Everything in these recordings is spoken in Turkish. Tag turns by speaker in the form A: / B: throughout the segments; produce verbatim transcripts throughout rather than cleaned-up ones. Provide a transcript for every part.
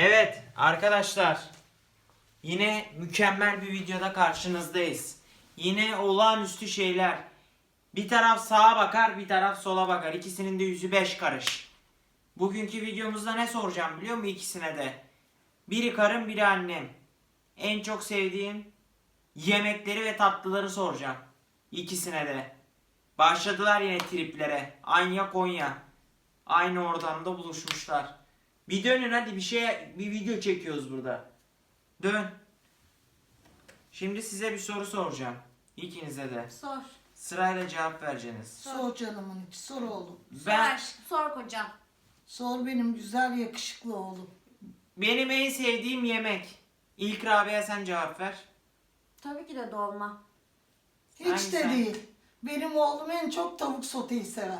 A: Evet arkadaşlar, yine mükemmel bir videoda karşınızdayız. Yine olağanüstü şeyler. Bir taraf sağa bakar, bir taraf sola bakar. İkisinin de yüzü beş karış. Bugünkü videomuzda ne soracağım biliyor musun ikisine de? Biri karım, biri annem. En çok sevdiğim yemekleri ve tatlıları soracağım. İkisine de. Başladılar yine triplere. Anya Konya. Aynı ortamda buluşmuşlar. Bir dönün hadi, bir şey bir video çekiyoruz burada. Dön. Şimdi size bir soru soracağım. İkinize de.
B: Sor.
A: Sırayla cevap vereceksiniz.
C: Sor canımın içi, sor oğlum.
A: Ben
B: Sor, sor kocam.
C: Sor benim güzel yakışıklı oğlum.
A: benim en sevdiğim yemek. İlk Rabia sen cevap ver.
B: Tabii ki de dolma.
C: Hiç
A: Hangisi?
C: de değil. Benim oğlum en çok tavuk soteyi sever.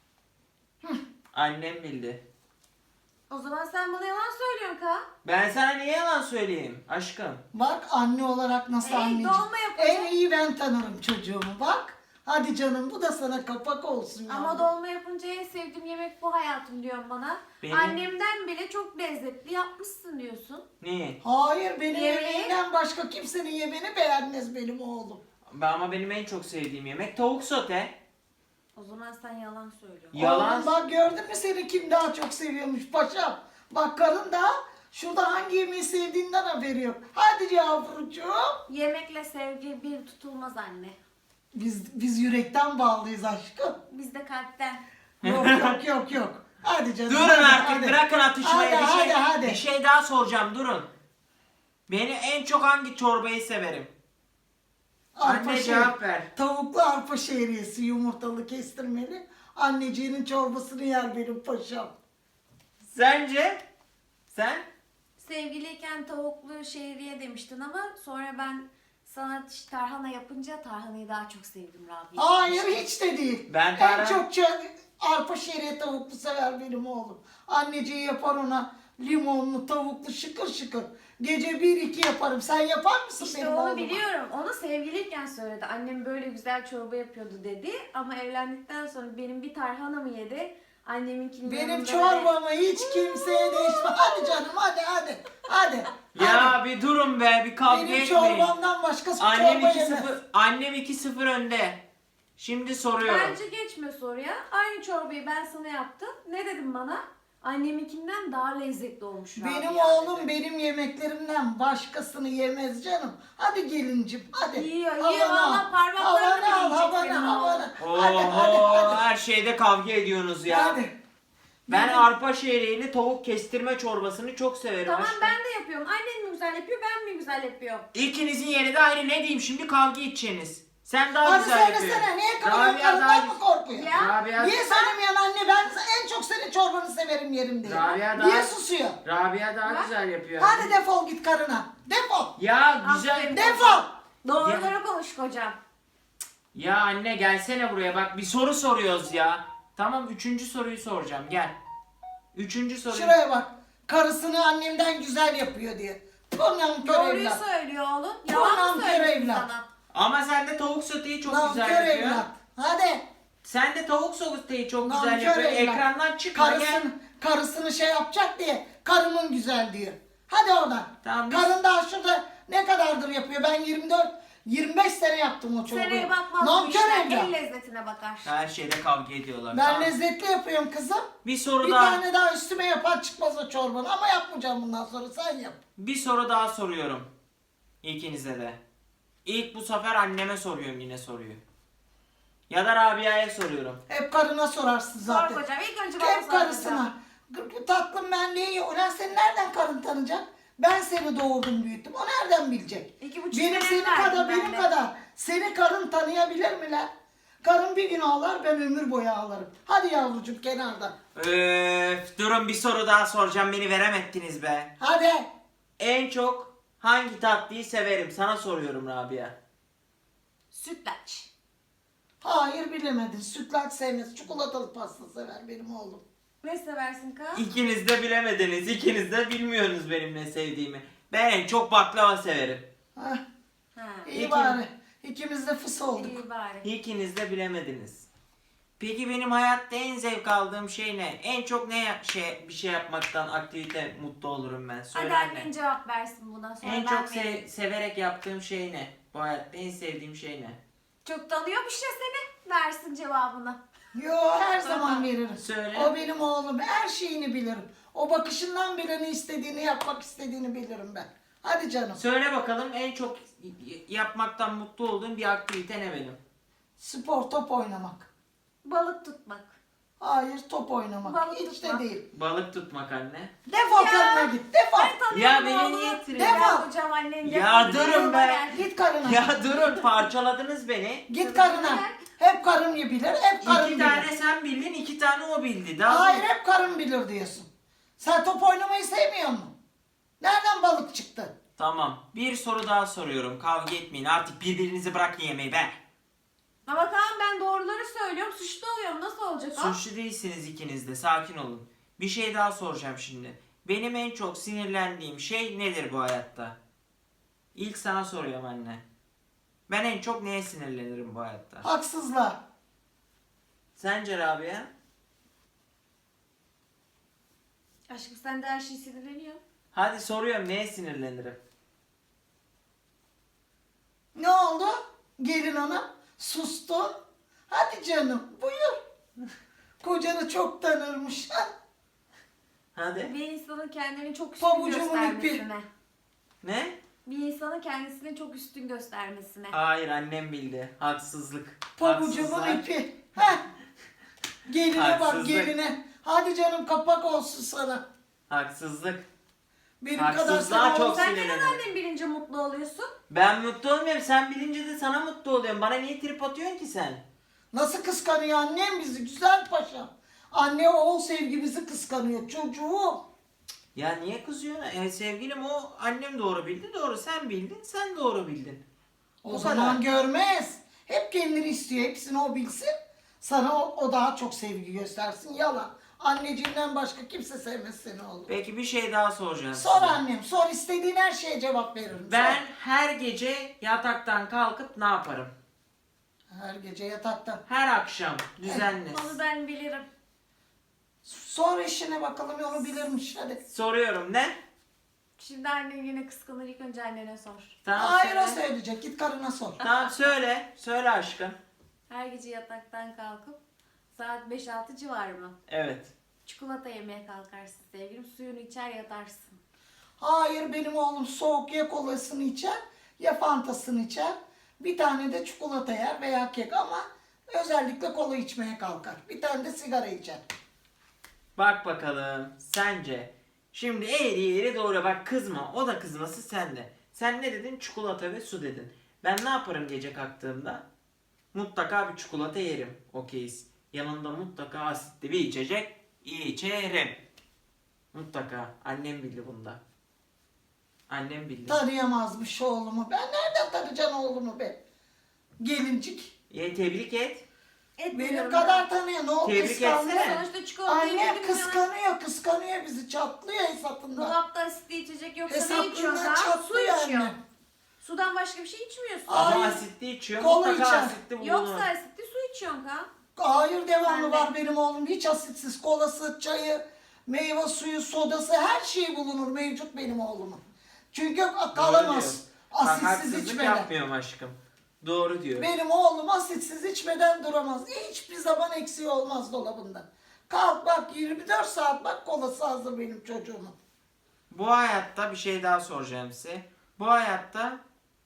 A: Annem bildi.
B: O zaman sen bana yalan söylüyorsun ka.
A: Ben sana niye yalan söyleyeyim aşkım?
C: Bak anne olarak nasıl
B: Ey,
C: anneciğim.
B: dolma yapacağım.
C: En iyi ben tanırım çocuğumu bak. Hadi canım bu da sana kapak olsun.
B: Ama
C: yavrum.
B: dolma yapınca en sevdiğim yemek bu hayatım diyorsun bana.
A: Benim-
B: Annemden bile çok lezzetli yapmışsın diyorsun.
A: Niye?
C: Hayır benim
B: Yemeği-
C: yemeğimden başka kimsenin yemeğini beğenmez benim oğlum.
A: Ama benim en çok sevdiğim yemek tavuk sote.
B: O zaman sen yalan söylüyorsun.
A: Yalan.
C: Oğlum bak gördün mü seni kim daha çok seviyormuş paşam. Bak karın da şurada hangi yemeği sevdiğinden haberi yok. Hadi yavrucuğum.
B: Yemekle sevgi bir tutulmaz anne.
C: Biz biz yürekten bağlıyız aşkım.
B: Biz de kalpten.
C: Yok yok yok yok. Hadi canım.
A: Durun
C: hadi,
A: artık,
C: hadi.
A: bırakın atışmayı.
C: Hadi,
A: bir şey,
C: hadi, hadi.
A: bir şey daha soracağım, durun. Beni en çok hangi çorbayı severim?
C: Arpa
A: Anne
C: şehri-
A: cevap ver.
C: Tavuklu arpa şehriyesi yumurtalı kestirmeli. Anneciğinin çorbasını yer benim paşam.
A: Sence? Sen?
B: Sevgiliyken tavuklu şehriye demiştin ama sonra ben sana tarhana yapınca tarhanayı daha çok sevdim Rabia.
C: Hayır hiç de değil.
A: Ben
C: En
A: tarhana-
C: çok ça- arpa şehriye tavuklu sever benim oğlum. Anneciği yapar ona limonlu tavuklu şıkır şıkır. Gece bir iki yaparım. Sen yapar mısın
B: İşte
C: benim
B: onu
C: oğluma?
B: biliyorum. Onu sevgiliyken söyledi. Annem böyle güzel çorba yapıyordu dedi. Ama evlendikten sonra benim bir tarhanamı yedi. Anneminkinin
C: Benim
B: yanında
C: çorbamı hiç kimseye değişme. Hadi canım hadi hadi. Hadi.
A: Ya
C: hadi.
A: bir durun be, bir kavga
C: Benim
A: etmeyin.
C: çorbamdan başkası
A: Annem
C: çorba
A: iki
C: yemez.
A: sıfır annem iki sıfır önde. Şimdi soruyorum.
B: Bence geçme soruya. Aynı çorbayı ben sana yaptım. Ne dedim bana? Anneminkinden daha lezzetli olmuş Rabia
C: Benim
B: dedi.
C: oğlum benim yemeklerimden başkasını yemez canım. Hadi gelincim hadi.
B: Yiyor,
C: Havanı
B: yiyor.
C: al.
B: Valla parmaklarını
C: Havanı al,
B: bile yiyecek
C: havanı,
B: benim
C: havanı.
A: Oho,
C: Hadi hadi hadi.
A: her şeyde kavga ediyorsunuz ya.
C: Hadi.
A: Ben
C: Benim-
A: arpa şehriyeli tavuk kestirme çorbasını çok severim
B: Tamam
A: aşkım.
B: ben de yapıyorum. Annen mi güzel yapıyor, ben mi güzel yapıyorum?
A: İkinizin yeri de ayrı, ne diyeyim şimdi, kavga edeceksiniz. Sen daha
C: Hadi
A: güzel
C: söylesene
A: yapıyorsun.
C: niye
A: Rabia
C: karın
A: daha
C: karından mı korkuyor?
B: Ya.
A: Rabia,
C: Niye söylemeyen anne ben en çok senin çorbanı severim yerim diye.
A: Rabia daha-
C: Niye susuyor?
A: Rabia daha
B: Bak.
A: güzel yapıyor.
C: Hadi defol git karına. Defol.
A: Ya güzel.
B: Aferin.
C: Defol.
B: Doğruları konuş kocam.
A: Ya anne gelsene buraya, bak bir soru soruyoruz ya. Tamam, üçüncü soruyu soracağım, gel. Üçüncü soruyu.
C: Şuraya bak. Karısını annemden güzel yapıyor diye. Tonam kör
B: Doğruyu
C: evlat.
B: söylüyor oğlum.
C: Tamam,
B: Yalan mı
C: kör
B: söylüyorsun
C: evlat.
B: sana?
A: Ama sen de tavuk soteyi çok
C: Lan
A: güzel
C: kör
A: yapıyor.
C: evlat. Hadi.
A: Sen de tavuk soteyi çok
C: Lan
A: güzel
C: kör
A: yapıyor.
C: evlat.
A: Ekrandan çıkma gel.
C: Karısını, karısını şey yapacak diye. Karımın güzel diyor. Hadi oradan.
A: Tamam, biz-
C: Karın daha şurada ne kadardır yapıyor? Ben yirmi dört yirmi beş sene yaptım o çorbayı.
B: Seneye bakmaz bu
C: Nankör
B: işler.
C: evlat.
B: El lezzetine bakar.
A: Her şeyde kavga ediyorlar.
C: Ben
A: Tamam.
C: lezzetli yapıyorum kızım.
A: Bir soru
C: Bir
A: daha.
C: tane daha üstüme yapar çıkmaz o çorbanı ama yapmayacağım bundan sonra sen yap.
A: Bir soru daha soruyorum. İkinize de. İlk bu sefer anneme soruyorum yine soruyu. Ya da Rabia'ya soruyorum.
C: Hep karına sorarsın zaten.
B: Sor kocam. İlk önce bana
C: Hep
B: sor
C: karısına.
B: kocam.
C: "Gı- Tatlım ben neyi? Ulan seni nereden karın tanıyacak? Ben seni doğurdum büyüttüm. O nereden bilecek?
B: İki buçuk
C: Benim
B: sene
C: senin
B: verdim
C: kadar
B: ben
C: benim
B: de.
C: kadar. Seni karın tanıyabilir mi lan? Karın bir gün ağlar ben ömür boyu ağlarım. Hadi yavrucuğum kenarda.
A: Öf, durun bir soru daha soracağım, beni veremettiniz be.
C: Hadi.
A: En çok hangi tatlıyı severim? Sana soruyorum Rabia.
B: Sütlaç.
C: Hayır bilemedin. Sütlaç sevmez. Çikolatalı pasta sever benim oğlum.
B: Ne seversin ka?
A: İkiniz de bilemediniz. İkiniz de bilmiyorsunuz benim ne sevdiğimi. Ben en çok baklava severim.
C: Hah,
B: Ha.
C: iyi
A: İki-
C: bari. İkimiz de fıs olduk.
B: İyi bari.
A: İkiniz de bilemediniz. Peki benim hayatta en zevk aldığım şey ne? En çok ne ya- şey bir şey yapmaktan, aktivite mutlu olurum ben. Söyle
B: Hadi
A: anne.
B: annen cevap versin buna. Sonra
A: En
B: ben
A: çok
B: vereyim.
A: se- severek yaptığım şey ne? Bu hayatta en sevdiğim şey ne?
B: Çok tanıyormuş ya seni. Versin cevabını.
C: Yo, her zaman veririm.
A: Söyle.
C: O benim oğlum, her şeyini bilirim. O bakışından bile ne istediğini, yapmak istediğini bilirim ben. Hadi canım.
A: Söyle bakalım en çok y- yapmaktan mutlu olduğum bir aktivite ne benim?
C: Spor, top oynamak.
B: Balık tutmak.
C: Hayır, top oynamak.
B: Balık
C: Hiç
B: tutmak.
C: de değil.
A: Balık tutmak anne.
C: Defol
B: Ya.
C: karına git, defol.
B: Ben tanıyorum
A: Ya beni
B: oğlum.
A: niye tırıyor?
B: Gel
C: Defol.
B: hocam annen.
A: Ya
B: defol.
A: durun be.
B: Gel.
C: Git karına.
A: Ya durun parçaladınız beni.
C: Git karına. Hep karım bilir, hep karım
A: İki
C: bilir.
A: tane sen bildin, iki tane o bildi. Daha
C: Hayır, hep karım bilir diyorsun. Sen top oynamayı sevmiyor musun? Nereden balık çıktı?
A: Tamam. Bir soru daha soruyorum. Kavga etmeyin. Artık birbirinizi bırakın yemeği be.
B: Ama Kaan ben doğruları söylüyorum. Suçlu oluyorum. Nasıl olacak o?
A: Suçlu değilsiniz ikiniz de. Sakin olun. Bir şey daha soracağım şimdi. Benim en çok sinirlendiğim şey nedir bu hayatta? İlk sana soruyorum anne. Ben en çok neye sinirlenirim bu hayatta?
C: Haksızlığa.
A: Sence Rabia?
B: Aşkım sen de her şey sinirleniyor.
A: Hadi soruyorum neye sinirlenirim?
C: Ne oldu? Gelin hanım sustu. Hadi canım buyur. Kocanı çok tanırmış. Ha?
A: Hadi.
B: Bir insanın kendini çok üstün
C: Pabucumun ipi.
B: göstermesine.
A: Ne?
B: Bir insanın kendisini çok üstün göstermesine.
A: Hayır annem bildi. Haksızlık.
C: Pabucumun
A: Haksızlar.
C: ipi. Heh. Geline bak
A: Haksızlık.
C: geline. Hadi canım kapak olsun sana.
A: Haksızlık.
C: Benim
A: Haksızlığa
C: kadar sana
A: çok
C: olsun.
B: Sen neden
A: sinirlenirim.
B: annen bilince mutlu oluyorsun?
A: Ben mutlu olmuyorum. Sen bilince de sana mutlu oluyorum. Bana niye trip atıyorsun ki sen?
C: Nasıl kıskanıyor annem bizi güzel paşam. Anne oğul sevgimizi kıskanıyor çocuğum.
A: Ya niye kızıyorsun? E, sevgilim o annem doğru bildi. Doğru sen bildin. Sen doğru bildin.
C: O,
A: O
C: zaman
A: kadar.
C: görmez. Hep kendini istiyor. Hepsini o bilsin. Sana o, o daha çok sevgi göstersin. Yalan. Anneciğinden başka kimse sevmez seni oğlum.
A: Peki bir şey daha soracağım
C: Sor
A: size.
C: annem. Sor. İstediğin her şeye cevap veririm.
A: Ben
C: Sor.
A: her gece yataktan kalkıp ne yaparım?
C: Her gece yatakta.
A: Her akşam düzenli.
B: Onu ben bilirim.
C: Sor eşine bakalım onu bilirmiş. Hadi.
A: Soruyorum ne?
B: Şimdi annen yine kıskanır. İlk önce annene sor.
A: Tamam
C: Hayır o
A: söyle.
C: söyleyecek. Git karına sor.
A: Tamam söyle. Söyle aşkım.
B: Her gece yataktan kalkıp saat beş altı civarı mı?
A: Evet.
B: Çikolata yemeye kalkarsın sevgilim. Suyunu içer yatarsın.
C: Hayır benim oğlum soğuk ya kolasını içer ya fantasını içer. Bir tane de çikolata yer veya kek ama özellikle kola içmeye kalkar. Bir tane de sigara içer.
A: Bak bakalım sence. Şimdi eğri eğri doğru bak kızma. O da kızması sen de. Sen ne dedin? Çikolata ve su dedin. Ben ne yaparım gece kalktığımda? Mutlaka bir çikolata yerim. Okeyiz. Yanında mutlaka asitli bir içecek içerim. Mutlaka. Annem bildi bunda. Annem bildi.
C: Tanıyamazmış oğlumu. Ben nereden tanıyacağım oğlumu be? Gelincik.
A: Ye, tebrik et.
B: Etmiyorum
C: Benim
B: ben.
C: kadar tanıyor. Ne oldu
A: Tebrik
C: kıskandı?
A: etsene.
B: Sonuçta çikolata
C: Annem
B: yemedim ya.
C: kıskanıyor, kıskanıyor bizi. Çatlıyor hesapından.
B: Dolapta asitli içecek yoksa ne içiyorsun
C: Hesaplarından
B: daha? Su
C: çatlıyor
B: içiyor.
C: annem.
B: Sudan başka bir şey içmiyorsun.
C: Aa,
A: Ama
C: Ay,
A: asitli içiyor.
C: kola
A: Mutlaka
C: içer.
A: asitli bulunur.
B: Yoksa asitli su içiyorsun Kaan.
C: Hayır devamlı
B: Ben de.
C: var benim oğlum. Hiç asitsiz kolası, çayı, meyve suyu, sodası her şey bulunur mevcut benim oğlumun. Çünkü
A: Doğru
C: kalamaz
A: diyor. Bak,
C: asitsiz
A: haksızlık
C: içmeden.
A: yapmıyorum aşkım. Doğru diyor.
C: Benim oğlum asitsiz içmeden duramaz. Hiçbir zaman eksiği olmaz dolabında. Kalk bak yirmi dört saat bak kolası hazır benim çocuğumun.
A: Bu hayatta bir şey daha soracağım size. Bu hayatta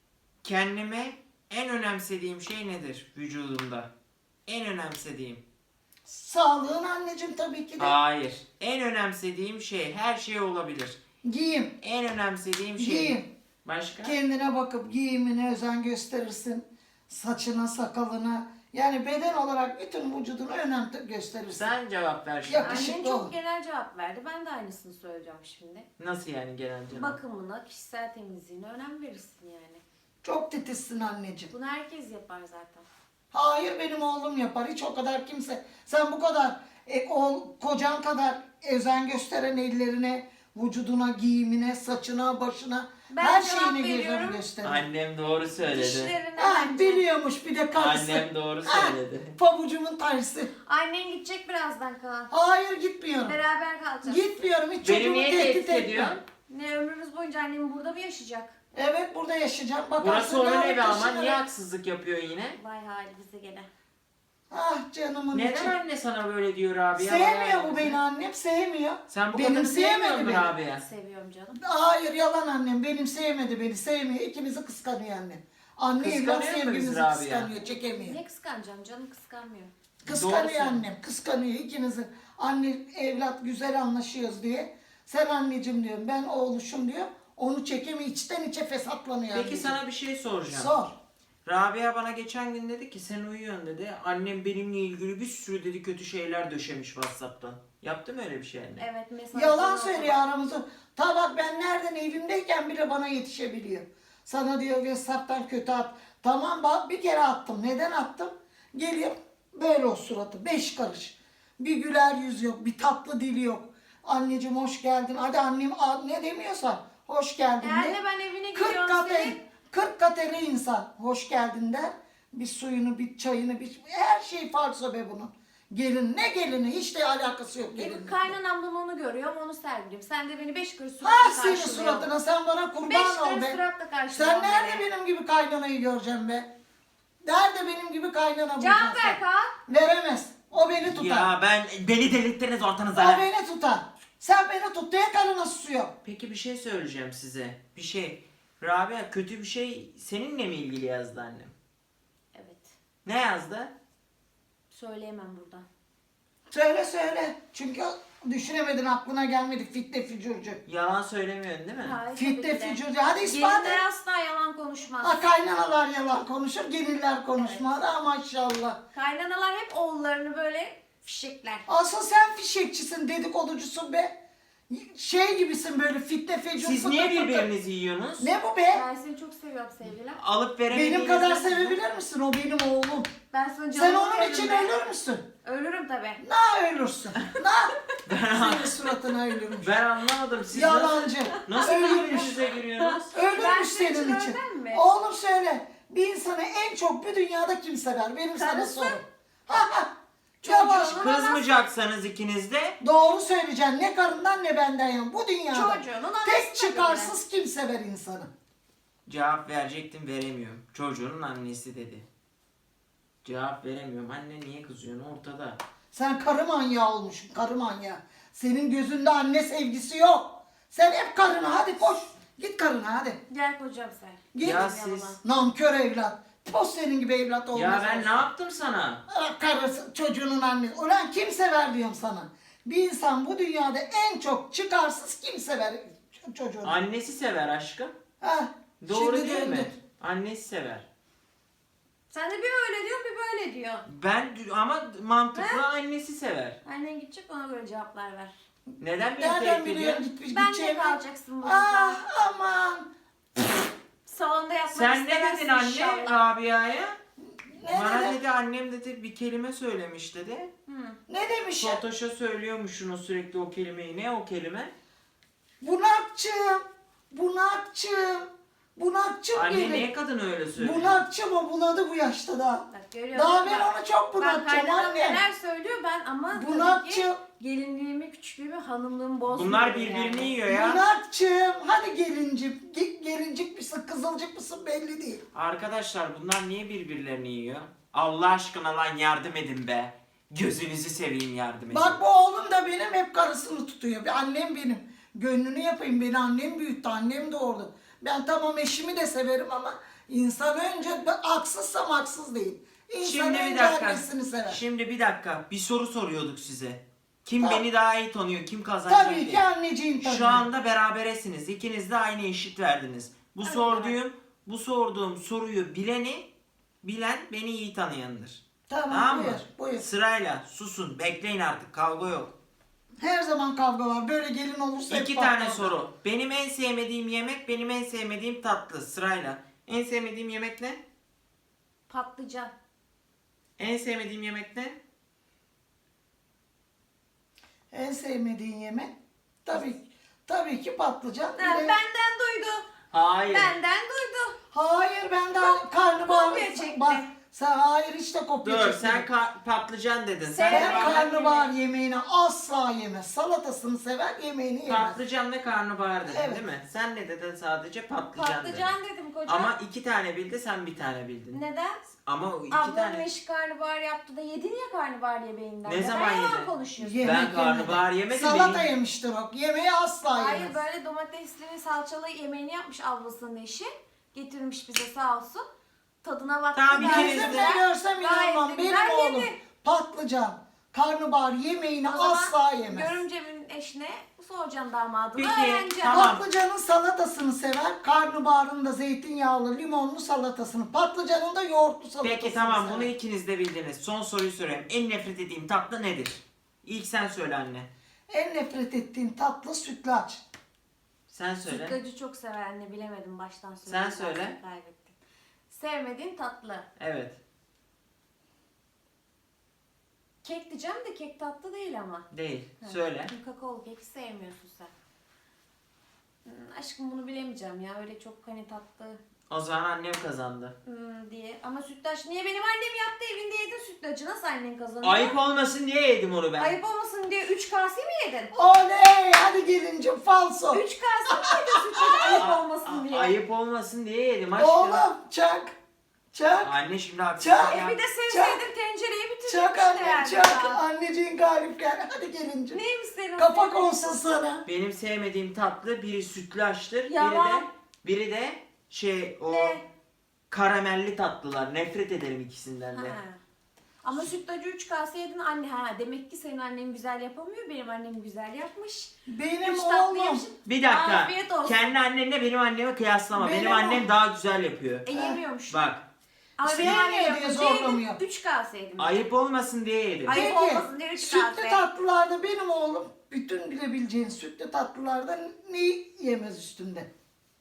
A: kendime en önemsediğim şey nedir vücudumda? En önemsediğim.
C: Sağlığın anneciğim tabii ki de.
A: Hayır. En önemsediğim şey her şey olabilir.
C: Giyim.
A: En önemsediğim şey.
C: Giyim.
A: Başka?
C: Kendine bakıp giyimine özen gösterirsin. Saçına, sakalına. Yani beden olarak bütün vücuduna önem gösterirsin.
A: Sen cevap ver şimdi.
C: Yakışıklı
B: Annen çok
C: ol.
B: genel cevap verdi. Ben de aynısını söyleyeceğim şimdi.
A: Nasıl yani genel canım?
B: Bakımına, kişisel temizliğine önem verirsin yani.
C: Çok titizsin anneciğim.
B: Bunu herkes yapar zaten.
C: Hayır benim oğlum yapar. Hiç o kadar kimse. Sen bu kadar e, oğul, kocan kadar özen gösteren ellerine, vücuduna, giyimine, saçına, başına,
B: Ben
C: her
B: cevap
C: şeyine gözünü
B: veriyorum.
C: gösterir.
A: Annem doğru söyledi.
B: Dişlerine
C: Ha,
B: bence.
C: biliyormuş bir de karısı.
A: Annem doğru
C: Ha,
A: söyledi.
C: pabucumun tersi.
B: Annen gidecek birazdan Kaan.
C: Hayır gitmiyorum.
B: Beraber kalacağız.
C: Gitmiyorum, hiç
A: Beni
C: çocuğumu
A: niye
C: tehdit
A: tehdit
C: etme.
A: ediyorsun?
B: Ne ömrümüz boyunca annem burada mı yaşayacak?
C: Evet, burada yaşayacağım. Bakarsın
A: Burası onun
C: yarın
A: evi ama
C: taşınırım.
A: niye haksızlık yapıyor yine?
B: Vay halimize gene.
C: Ah canımın içi.
A: Neden anne sana böyle diyor abi? ya?
C: Sevmiyor
A: Bana
C: bu beni annem, sevmiyor.
A: Sen bu
C: Benim
A: kadını sevmiyor
C: sevmedi
A: musun
C: beni.
A: abi ya?
B: Seviyorum canım.
C: Hayır, yalan annem. Benim sevmedi beni, sevmiyor. İkimizi kıskanıyor annem. Anne evlat
A: Kıskanıyor mu
C: sevgimizi
A: bizi abi ya?
C: kıskanıyor, çekemiyor.
B: Ne kıskanacağım canım, kıskanmıyor.
C: Kıskanıyor
A: Doğrusu.
C: annem, kıskanıyor ikimizi. Anne evlat güzel anlaşıyoruz diye. Sen anneciğim diyorum, ben oğluşum diyor. Onu çekemiyor, içten içe fesatlanıyor.
A: Peki
C: anneciğim.
A: sana bir şey soracağım.
C: Sor.
A: Rabia bana geçen gün dedi ki sen uyuyorsun dedi. Annem benimle ilgili bir sürü dedi kötü şeyler döşemiş WhatsApp'tan. Yaptı mı öyle bir şey anne?
B: Evet mesaj.
C: Yalan söylüyor aramızda. Ta bak ben nereden evimdeyken bile bana yetişebiliyor. Sana diyor WhatsApp'tan kötü at. Tamam bak bir kere attım. Neden attım? Geliyor böyle o suratı. Beş karış. Bir güler yüz yok. Bir tatlı dili yok. Anneciğim hoş geldin. Hadi annem a- ne demiyorsan hoş geldin
B: Eğer
C: de.
B: de ben evine
C: kırk
B: gidiyorum
C: kat
B: senin.
C: el, kırk kat eli insan hoş geldin der. Bir suyunu, bir çayını, bir her şey falso be bunun. Gelin ne gelini hiç de alakası yok
B: Benim
C: gelinle.
B: kaynanamdan onu görüyorum, onu sergiliyorum. Sen de beni beş kuruş
C: Ha
B: suratla
C: senin
B: karşılıyorsun.
C: suratına sen bana
B: Beş
C: kurban ol
B: kuruş
C: be.
B: suratla karşılıyorsun.
C: Sen nerede benim gibi kaynanayı göreceğim be? Nerede benim gibi kaynana
B: Cevap
C: bulacaksın?
B: ver Kaan.
C: Veremez. O beni tutar.
A: Ya ben beni delirttiniz ortanıza.
C: O beni tutar. Sen beni tut diye karına susuyor.
A: Peki bir şey söyleyeceğim size. Bir şey. Rabia kötü bir şey seninle mi ilgili yazdı annem?
B: Evet.
A: Ne yazdı?
B: Söyleyemem burada.
C: Söyle söyle. Çünkü düşünemedin, aklına gelmedi fitne fücurcu.
A: Yalan söylemiyorsun değil mi?
B: Hayır,
C: Fitne
B: tabii ki de.
C: fücurcu. Hadi ispat et.
B: Gelinler asla yalan konuşmaz.
C: Ha, kaynanalar yalan konuşur, gelinler konuşmaz. Ha maşallah.
B: Kaynanalar hep oğullarını böyle fişekler.
C: Asıl sen fişekçisin, dedikoducusun be. Şey gibisin böyle fitne fecur.
A: Siz
C: fıtı
A: niye
C: fıtı.
A: birbirinizi yiyorsunuz?
C: Ne bu be?
B: Ben seni çok seviyorum sevgilim.
A: Alıp veremediğinizde...
C: Benim kadar sevebilir misin? O benim oğlum.
B: Ben sana canımı
C: Sen onun
B: veririm
C: için
B: be.
C: ölür müsün?
B: Ölürüm tabi.
C: Na ölürsün. Na. Senin suratına ölürmüş.
A: Ben anlamadım. Siz
C: Yalancı.
A: nasıl, nasıl
C: Ölürmüş.
A: birbirinize giriyorsunuz?
B: Ben
C: Ölürmüş
B: senin için
C: senin için.
B: ölmem mi?
C: Oğlum söyle. Bir insanı en çok bu dünyada kim sever? Benim sana
B: Karısı.
C: sorum. Ha ha. Yavaş.
B: Çocuğunu-
A: Kızmayacaksanız ikiniz de
C: Doğru söyleyeceksin. Ne karından ne benden yan. Bu dünyada
B: Çocuğunun anası
C: tek
B: tabii
C: çıkarsız kim sever insanı?
A: cevap verecektim veremiyorum. Çocuğunun annesi dedi. Cevap veremiyorum. Anne niye kızıyorsun ortada?
C: Sen karı manyağı olmuşsun. Karı manyağı. Senin gözünde anne sevgisi yok. Sen hep karına hadi koş. Git karına hadi.
B: Gel kocam sen.
C: Git.
A: Ya
B: Yalan.
A: siz...
C: Nankör evlat. Post senin gibi evlat olmaz.
A: Ya ben ne yaptım sana?
C: Ah, karısı, çocuğunun annesi. Ulan kim sever diyorum sana. Bir insan bu dünyada en çok çıkarsız kim sever ç- çocuğunu?
A: Annesi sever aşkım.
C: Ha,
A: Doğru
C: şimdi
A: değil mi?
C: döndün.
A: Annesi sever.
B: Sen de bir öyle diyor bir böyle diyor.
A: Ben ama mantıklı annesi sever.
B: Annen gidecek ona göre cevaplar ver.
A: Neden beni
C: Nereden
A: tehdit
C: biliyorsun
A: ediyorsun?
C: gitmiş
B: Ben de
C: gideceğimi?
B: kalacaksın burada.
C: Ah aman.
B: Salonda yatmak
A: Sen ne
B: istemezsin
A: dedin anne
B: inşallah.
A: Rabia'ya?
C: Ne
A: Bana
C: dedi?
A: dedi annem dedi bir kelime söylemiş dedi.
B: Hı.
C: Ne demiş ya?
A: Fatoş'a söylüyormuşsun o sürekli o kelimeyi. Ne o kelime?
C: Bunakçım. Bunakçım. Bunakçım
A: Anne
C: benim.
A: niye kadın öyle söylüyor?
C: Bunakçım o bunadı bu yaşta da.
B: Bak görüyor
C: Daha
B: musun?
C: ben
B: Bak,
C: onu çok
B: Bak
C: bunatacağım
B: kaynanam
C: anne.
B: neler söylüyor ben ama tabii ki
C: Bunakçım.
B: gelinliğimi, küçüklüğümü, hanımlığımı bozmuyorum.
A: Bunlar birbirini
B: yani.
A: yiyor ya.
C: Bunakçım. Hadi gelincik. Ge- Gelincik misin kızılcık mısın belli değil.
A: Arkadaşlar bunlar niye birbirlerini yiyor? Allah aşkına lan yardım edin be. Gözünüzü seveyim yardım edin.
C: Bak bu oğlum da benim hep karısını tutuyor. Bir annem benim. Gönlünü yapayım. Beni annem büyüttü. Annem doğurdu. Ben tamam eşimi de severim ama insan önce ben haksızsam haksız değil. İnsan
A: Şimdi bir
C: önce
A: dakika.
C: annesini sever.
A: Şimdi bir dakika. Bir soru soruyorduk size. Kim
C: Tamam.
A: beni daha iyi tanıyor? Kim kazanacak
C: Tabii
A: diye.
C: ki anneciğim tabii.
A: Şu anda beraberesiniz. İkiniz de aynı eşit verdiniz. Bu
B: Hadi
A: sorduğum bu sorduğum soruyu bileni bilen beni iyi tanıyandır.
C: Tamam,
A: Tamam mı?
C: buyur, buyur.
A: Sırayla susun. Bekleyin artık. Kavga yok.
C: Her zaman kavga var. Böyle gelin olursa hep
A: İki
C: patlar.
A: tane soru. Benim en sevmediğim yemek, benim en sevmediğim tatlı. Sırayla. En sevmediğim yemek ne?
B: Patlıcan.
A: En sevmediğim yemek ne?
C: En sevmediğin yemek tabii Tabii ki patlıcan. Bir
B: Ha,
C: de-
B: benden duydu.
A: Hayır.
B: Benden duydu.
C: Hayır ben daha karnabahar.
B: kopya çekti.
C: Bak sen hayır hiç de kopya
A: Dur
C: çekmedin.
A: sen ka- patlıcan dedin. Sen
B: Sen-
C: Ben
A: de
C: karnabahar yemeğini asla yemez. Salatasını sever, yemeğini yemez.
A: patlıcan ve karnabahar dedin
C: Evet.
A: değil mi? Sen ne dedin sadece patlıcan,
B: Patlıcan
A: dedin.
B: dedim kocam.
A: Ama iki tane bildi sen bir tane bildin.
B: Neden?
A: Ama o iki
B: Ablam
A: tane.
B: eşi karnabahar yaptı da yedin ya karnabahar yemeğinden.
A: Ne
B: Neden
A: zaman
B: yalan
A: yedin?
B: konuşuyorsun?
C: Yemek
A: Ben
C: yemedi.
A: karnabahar yemedim,
C: Salata
A: benim-
C: yemiştir o. Yemeği asla
B: Hayır
C: yemez.
B: böyle domatesli salçalı yemeğini yapmış ablasının eşi. Getirmiş bize sağ olsun. Tadına baktı.
A: Tamam, bir
B: gayet
A: kere
C: Gözümle
B: güzel.
C: görsem
B: Gayet
C: inanmam.
B: de
C: Benim
B: güzel
C: oğlum
B: yedi.
C: patlıcan, karnabahar yemeğini
B: O zaman
C: asla yemez.
B: Görümcemin eşine soracağım damadına
A: Peki,
B: öğreneceğim.
A: tamam.
C: Patlıcanın salatasını sever, karnabaharın da zeytinyağlı, limonlu salatasını, patlıcanın da yoğurtlu salatasını
A: Peki tamam
C: sever.
A: bunu ikiniz de bildiniz. Son soruyu sorayım. En nefret ettiğim tatlı nedir? İlk sen söyle anne.
C: En nefret ettiğin tatlı sütlaç.
A: Sen söyle.
B: Sütlacı çok sever anne bilemedim baştan
A: Sen
B: söyledim.
A: söyle.
B: zaten Kaybettim. Sevmediğin tatlı.
A: Evet.
B: Kek diyeceğim de kek tatlı değil ama.
A: Değil.
B: Ha,
A: Söyle.
B: Kakaolu kek sevmiyorsun sen. Hmm, aşkım bunu bilemeyeceğim ya öyle çok hani tatlı
A: O zaman annem kazandı.
B: hmm, diye. Ama sütlaç niye benim annem yaptı evinde yedin sütlacı nasıl annen kazanıyor?
A: Ayıp olmasın diye yedim onu ben.
B: Ayıp olmasın diye üç kase mi yedin?
C: Oley! Hadi gelincim falso.
B: üç kase mi yedin sütlacı ayıp olmasın
A: A-
B: diye?
A: Ayıp olmasın diye yedim aşkım.
C: Oğlum çak. Çak.
A: Anne şimdi haksızlık
C: Çak.
A: ya.
B: E bir de sevseydin tencereyi bitirdin
C: Çak
B: işte
C: annem
B: yani.
C: çak.
B: ya.
C: Anneciğin galip gel. Hadi gelincim.
B: Neymiş senin?
C: Kapak
B: sevdiğin
C: olsun sana.
A: Benim sevmediğim tatlı biri sütlaçtır. Biri de
B: Yalan.
A: biri de şey o
B: Ne?
A: karamelli tatlılar. Nefret ederim ikisinden
B: Ha.
A: de.
B: Ama sütlacı üç kase yedin anne ha demek ki senin annen güzel yapamıyor benim annem güzel yapmış.
C: Benim
B: Üç tatlı
C: oğlum.
B: yemişim.
A: Bir dakika.
B: Afiyet olsun.
A: Kendi annenle benim annemi kıyaslama. Benim,
C: Benim
A: annem
C: o-
A: daha güzel yapıyor.
B: E yemiyormuş.
A: Bak.
B: Ama
C: İşte
B: benim annem
C: yemiyor diye
B: yapınca yedim.
C: zorlamıyor.
B: üç kase yedim.
A: Ayıp olmasın diye yedim.
B: Ayıp
C: Peki,
B: olmasın diye üç
C: sütlü
B: kase.
C: tatlılarda benim oğlum bütün bilebileceğin sütlü tatlılarda ne yemez üstünde?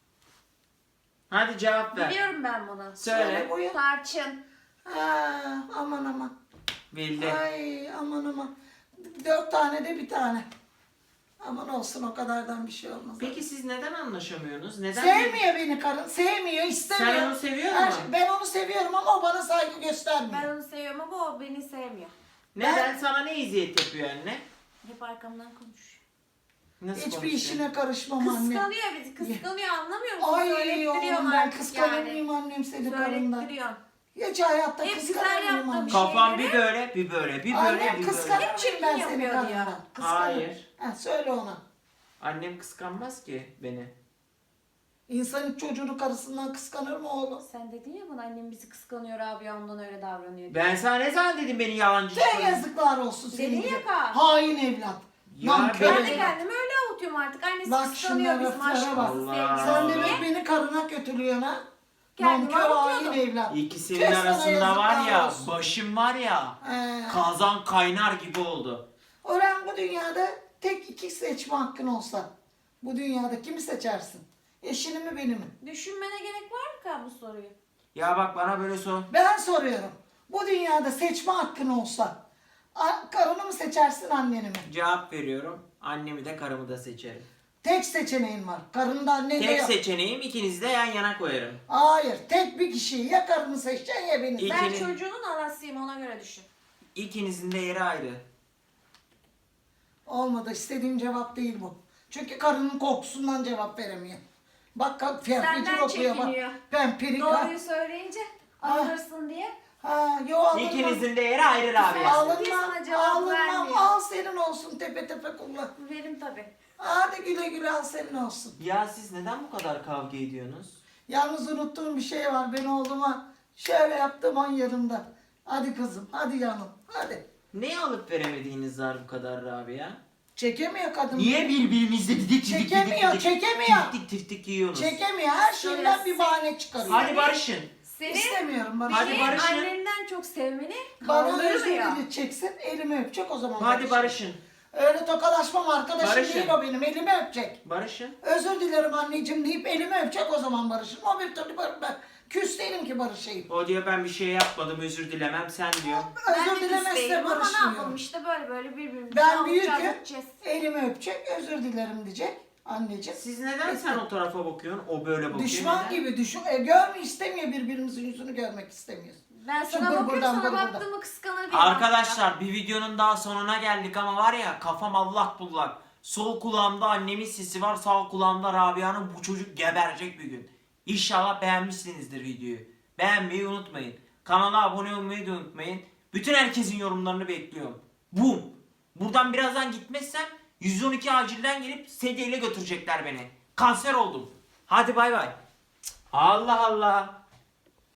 A: Hadi cevap ver.
B: Biliyorum ben bunu.
A: Söyle.
C: buyur.
B: Tarçın.
C: Ha, aman aman.
A: Bildi.
C: Ay aman aman. Dört tane de bir tane. Aman olsun o kadardan bir şey olmaz.
A: Peki siz neden anlaşamıyorsunuz? Neden?
C: Sevmiyor beni karın. Sevmiyor, istemiyor.
A: Sen onu seviyor
C: Her
A: musun?
C: şey- Ben onu seviyorum ama o bana saygı göstermiyor.
B: Ben onu seviyorum ama o beni sevmiyor.
A: Neden? Sana ne eziyet yapıyor anne?
B: Hep arkamdan konuşuyor.
A: Nasıl
C: Hiçbir
A: konuşuyor?
C: işine karışmam anne.
B: Kıskanıyor bizi. Kıskanıyor anlamıyor musun?
C: Ay
B: Söylettiriyor
C: oğlum ben
B: artık
C: kıskanır
B: yani.
C: mıyım annem seni karından?
B: Söylettiriyor.
C: Hiç hayatta
B: Hep güzel
C: kıskanır mıyım
B: yaptığım
C: anne?
B: şey.
A: Kafam bir
B: şeyleri-
A: böyle, bir böyle, bir böyle,
C: Annem
A: bir böyle.
C: kıskanır
B: Hep
C: mıyım
B: çirkin
C: ben seni
B: yapıyor diyor.
C: karından? Kıskanır.
A: Hayır.
C: Ha, söyle ona.
A: Annem kıskanmaz ki beni.
C: İnsan hiç çocuğunu karısından kıskanır mı oğlum?
B: Sen dedin ya bana annem bizi kıskanıyor abi ondan öyle davranıyor diye.
A: Ben sana ne zaman dedim beni yalancı
C: Te
A: çıkarın?
C: yazıklar olsun senin
B: Dedin
C: gibi.
B: ya Kaan.
C: Hain evlat.
A: Ya
C: Nankör
B: Ben de
C: evlat.
B: kendimi öyle avutuyorum artık. Annesi
C: Bak
B: kıskanıyor
C: şunlara,
B: bizim
C: laflara
B: aşkımızı
A: bak.
B: sevgimizi
C: Sen
B: diye.
C: demek beni karına kötülüyorsun ha?
B: Kendimi
C: Nankör hain
B: avutuyordum.
C: evlat.
A: İkisinin
C: Tüh sana
A: arasında var
C: yazıklar
A: ya,
C: olsun.
A: başım var ya,
C: Ee,
A: kazan kaynar gibi oldu.
C: Orhan bu dünyada tek iki seçme hakkın olsa bu dünyada kimi seçersin? Eşini mi beni mi?
B: Düşünmene gerek var mı Kaan bu soruyu?
A: Ya bak bana böyle sor.
C: Ben soruyorum. Bu dünyada seçme hakkın olsa a- karını mı seçersin anneni mi?
A: Cevap veriyorum. Annemi de karımı da seçerim.
C: Tek seçeneğin var. Karını da anneni de
A: Tek
C: yok.
A: seçeneğim ikinizi de yan yana koyarım.
C: Hayır. Tek bir kişiyi ya karını seçeceksin ya beni.
A: İyi.
B: Ben
A: İkini-
B: çocuğunun anasıyım ona göre düşün.
A: İkinizin de yeri ayrı.
C: Olmadı. İstediğim cevap değil bu. Çünkü karının kokusundan cevap veremiyor. Bak kalk
B: Senden
C: fiyatlıcı okuyor bak.
B: çekiniyor.
C: Ben pirik ha.
B: Doğruyu söyleyince
C: Ah.
B: alırsın diye.
C: Ha, yo alınmam.
A: İkinizin de yeri ayrı Rabia.
B: Alın. Niye
C: Alınmam.
B: sana cevap
C: Alınmam.
B: vermiyor?
C: Al senin olsun tepe tepe kullan.
B: Verim tabii.
C: Hadi güle güle al senin olsun.
A: Ya siz neden bu kadar kavga ediyorsunuz?
C: Yalnız unuttuğum bir şey var. Ben oğluma şöyle yaptım an yanımda. Hadi kızım, hadi yanım, hadi.
A: Ne alıp veremediğiniz var bu kadar Rabia?
C: Çekemiyor kadın.
A: Niye birbirinizle didik didik didik
C: Çekemiyor,
A: didik
C: çekemiyor.
A: tiftik tiftik yiyorsunuz?
C: Çekemiyor. Her şeyden bir bahane çıkarıyor.
A: Hadi barışın.
B: Seni
C: İstemiyorum bana.
A: Hadi
B: beni
A: barışın.
B: annenden çok sevmeni
C: Bana özür
B: kaldırmıyor.
C: dileyeceksin, elimi öpecek o zaman.
A: Hadi barışın.
C: Öyle tokalaşmam arkadaşım
A: Barışın.
C: değil o benim, elimi öpecek.
A: Barışın.
C: Özür dilerim anneciğim deyip elimi öpecek o zaman barışın. O bir türlü bar- ben küs değilim ki barışayım.
A: O diyor ben bir şey yapmadım özür dilemem sen diyor.
B: Ben
C: Özür
B: de
C: dilemezse
B: küsteyim ama ne yapalım
C: barışmıyorum.
B: işte böyle böyle birbirimizi
C: Ben
B: alacağız,
C: büyüküm,
B: gideceğiz.
C: elimi öpecek, özür dilerim diyecek. Anneciğim.
A: Siz neden sen o tarafa bakıyorsun? O böyle bakıyor.
C: Düşman
A: neden?
C: gibi düşün. E, görme istemiyor, birbirimizin yüzünü görmek istemiyoruz.
B: Ben
C: Şu
B: sana
C: gur
B: bakıyorum,
C: buradan,
B: sana
C: gur buradan.
B: baktığımı kıskanır diye
A: Arkadaşlar bir videonun daha sonuna geldik ama var ya kafam allak bullak. Sol kulağımda annemin sesi var, sağ kulağımda Rabia'nın, bu çocuk geberecek bir gün. İnşallah beğenmişsinizdir videoyu. Beğenmeyi unutmayın. Kanala abone olmayı da unutmayın. Bütün herkesin yorumlarını bekliyorum. Bum. Buradan birazdan gitmezsem yüz on iki acilden gelip sedyeyle götürecekler beni. Kanser oldum. Hadi bay bay. Allah Allah.